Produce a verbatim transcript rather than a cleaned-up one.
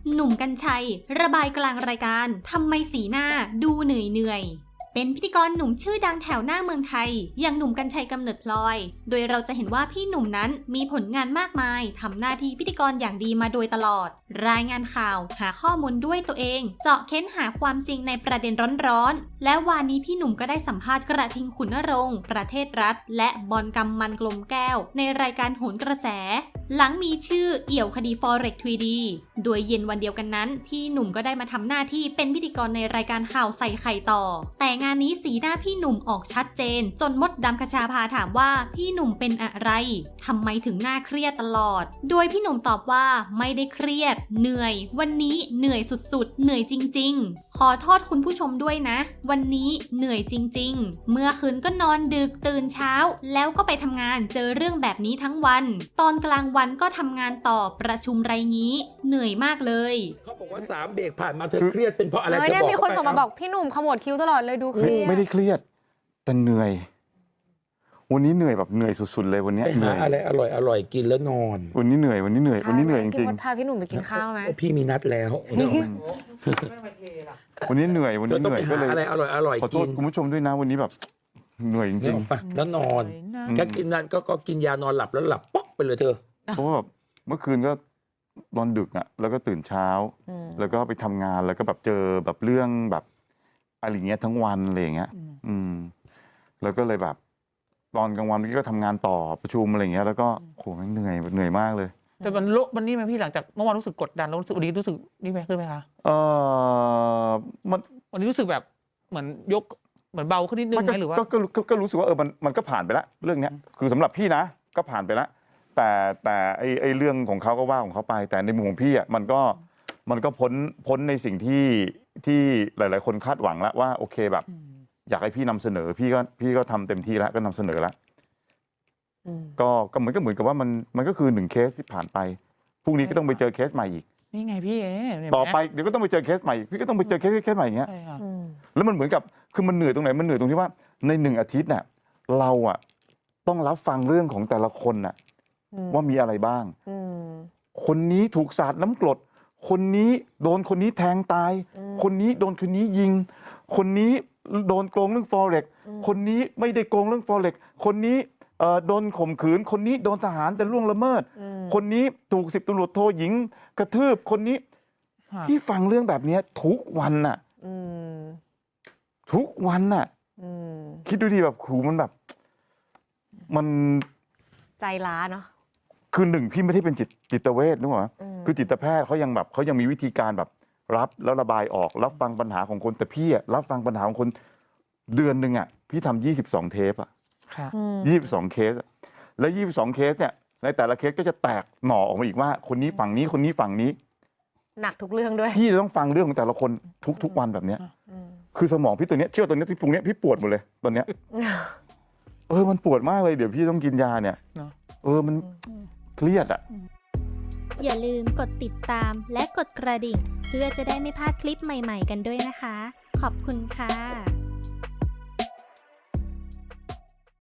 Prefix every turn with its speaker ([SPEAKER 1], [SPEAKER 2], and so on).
[SPEAKER 1] หนุ่มกรรชัยระบายกลางรายการทำไมสีหน้าดูเหนื่อยเหนื่อยเป็นพิธีกรหนุ่มชื่อดังแถวหน้าเมืองไทยอย่างหนุ่มกรรชัยกำเนิดพลอยโดยเราจะเห็นว่าพี่หนุ่มนั้นมีผลงานมากมายทำหน้าที่พิธีกรอย่างดีมาโดยตลอดรายงานข่าวหาข้อมูลด้วยตัวเองเจาะเค้นหาความจริงในประเด็นร้อนๆและวันนี้พี่หนุ่มก็ได้สัมภาษณ์กระทิงขุนนรงค์ประเทศรัฐและบอลกำมันกลมแก้วในรายการโหนกระแสหลังมีชื่อเอี่ยวคดี Forex ทรี ดี โดยเย็นวันเดียวกันนั้นพี่หนุ่มก็ได้มาทำหน้าที่เป็นพิธีกรในรายการข่าวใส่ไข่ต่อแต่งานนี้สีหน้าพี่หนุ่มออกชัดเจนจนมดดำคชาภาถามว่าพี่หนุ่มเป็นอะไรทำไมถึงหน้าเครียดตลอดโดยพี่หนุ่มตอบว่าไม่ได้เครียดเหนื่อยวันนี้เหนื่อยสุดๆเหนื่อยจริงๆขอโทษคุณผู้ชมด้วยนะวันนี้เหนื่อยจริงๆเมื่อคืนก็นอนดึกตื่นเช้าแล้วก็ไปทำงานเจอเรื่องแบบนี้ทั้งวันตอนกลางวันก็ทำงานต่อประชุมไรงี้เหนื่อยมากเลย
[SPEAKER 2] เขาบอกว่าสามเบรกผ่านมาเธอเครียดเป็นเพราะอะไรเธอบอก
[SPEAKER 3] เนี่ยมีคนส่งมาบอกพี่หนุ่มขมวดคิ้วตลอดเลยดูเครียด
[SPEAKER 4] ไม่ได้เครียดแต่เหนื่อยวันนี้เหนื่อยแบบเหนื่อยสุดๆเลยวันนี้
[SPEAKER 2] เหนื่อยอะไรอร่อยอร่อยกินแล้วนอน
[SPEAKER 4] วันนี้เหนื่อยวันนี้เหนื่อยวันนี้เหนื่อยจริง
[SPEAKER 3] ๆพาพี่หนุ่มไปกินข้าวไหม
[SPEAKER 2] พี่มีนัดแล้ว
[SPEAKER 4] วันนี้เหนื่อยวันนี้เหนื่อยก็เลย
[SPEAKER 2] อะไรอร่อยอร่อย
[SPEAKER 4] ขอโทษคุณผู้ชมด้วยนะวันนี้แบบเหนื่อยจริง
[SPEAKER 2] ๆแล้วนอนแค่กินนั้นก็กินยานอนหลับแล้วหลับป๊อกไปเลยเธอ
[SPEAKER 4] เพราะว่าแบบเมื่อคืนก็นอนดึกอ่ะแล้วก็ตื่นเช้าแล้วก็ไปทำงานแล้วก็แบบเจอแบบเรื่องแบบอะไรเงี้ยทั้งวันอะไรอย่างเงี้ยอืมแล้วก็เลยแบบตอนกลางวันพี่ก็ทำงานต่อประชุมอะไรเงี้ยแล้วก็โหมันเหนื่อยเหนื่อยมากเลย
[SPEAKER 5] แต่มันโลมันนี่ไหมพี่หลังจากเมื่อวานรู้สึกกดดันแล้วรู้สึกวันนี้รู้สึกนี่ไหมขึ้นไหมคะ
[SPEAKER 4] เออมัน
[SPEAKER 5] วันนี้รู้สึกแบบเหมือนยกเหมือนเบาขึ้นนิดนึงไหมหรือว่า
[SPEAKER 4] ก็ก็ก็รู้สึกว่าเออมันมันก็ผ่านไปแล้วเรื่องเนี้ยคือสำหรับพี่นะก็ผ่านไปแล้วแต่แต่ไอไอเรื่องของเขาก็ว่าของเขาไปแต่ในมุมของพี่อ่ะมันก็มันก็พ้นพ้นในสิ่งที่ที่หลายๆคนคาดหวังแล้วว่าโอเคแบบอยากให้พี่นำเสนอพี่ก็พี่ก็ทำเต็มที่แล้วก็นำเสนอแล้วก็ก็เหมือนก็เหมือนกับว่ามันมันก็คือหนึ่งเคสที่ผ่านไปพรุ่งนี้ก็ต้องไปเจอเคสใหม่อีก
[SPEAKER 5] นี่ไงพี่
[SPEAKER 4] ต่อไปเดี๋ยวก็ต้องไปเจอเคสใหม่พี่ก็ต้องไปเจอเคสเคสใหม่อย่างเงี้ยแล้วมันเหมือนกับคือมันเหนื่อยตรงไหนมันเหนื่อยตรงที่ว่าในหนึ่งอาทิตย์น่ะเราอ่ะต้องรับฟังเรื่องของแต่ละคนน่ะว่ามีอะไรบ้างคนนี้ถูกสาดน้ำกรดคนนี้โดนคนนี้แทงตายคนนี้โดนคนนี้ยิงคนนี้โดนโกงเรื่อง Forex คนนี้ไม่ได้โกงเรื่อง Forex คนนี้เอ่อโดนข่มขืนคนนี้โดนทหารแต่ล่วงละเมิดคนนี้ถูกสิบตำรวจโทหญิงกระทืบคนนี้ที่ฟังเรื่องแบบนี้ทุกวันน่ะทุกวันน่ะคิดดูดีแบบขู่มันแบบมัน
[SPEAKER 3] ใจร้าเนาะ
[SPEAKER 4] คือหนึ่งพี่ไม่ได้เป็นจิตจิตเวชนึกว่าคือจิตแพทย์เขายังแบบเขายังมีวิธีการแบบรับแล้วระบายออกรับฟังปัญหาของคนแต่พี่อะรับฟังปัญหาของคนเดือนหนึ่งอะพี่ทำยี่สิบสองเทปอะยี่สิบสองเคสแล้วยี่สิบสองเคสเนี่ยในแต่ละเคสก็จะแตกหน่อออกมาอีกว่าคนนี้ฝั่งนี้คนนี้ฝั่งนี้
[SPEAKER 3] หนักทุกเรื่องด้วย
[SPEAKER 4] พี่จะต้องฟังเรื่องของแต่ละคนทุกทุกวันแบบเนี้ยคือสมองพี่ตัวเนี้ยเชื่อตัวเนี้ยที่ตรงเนี้ยพี่ปวดหมดเลยตอนเนี้ยเออมันปวดมากเลยเดี๋ยวพี่ต้องกินยาเนี่ยเออมันเครียดอ่ะ
[SPEAKER 1] อย่าลืมกดติดตามและกดกระดิ่งเพื่อจะได้ไม่พลาดคลิปใหม่ๆกันด้วยนะคะขอบคุณค่ะ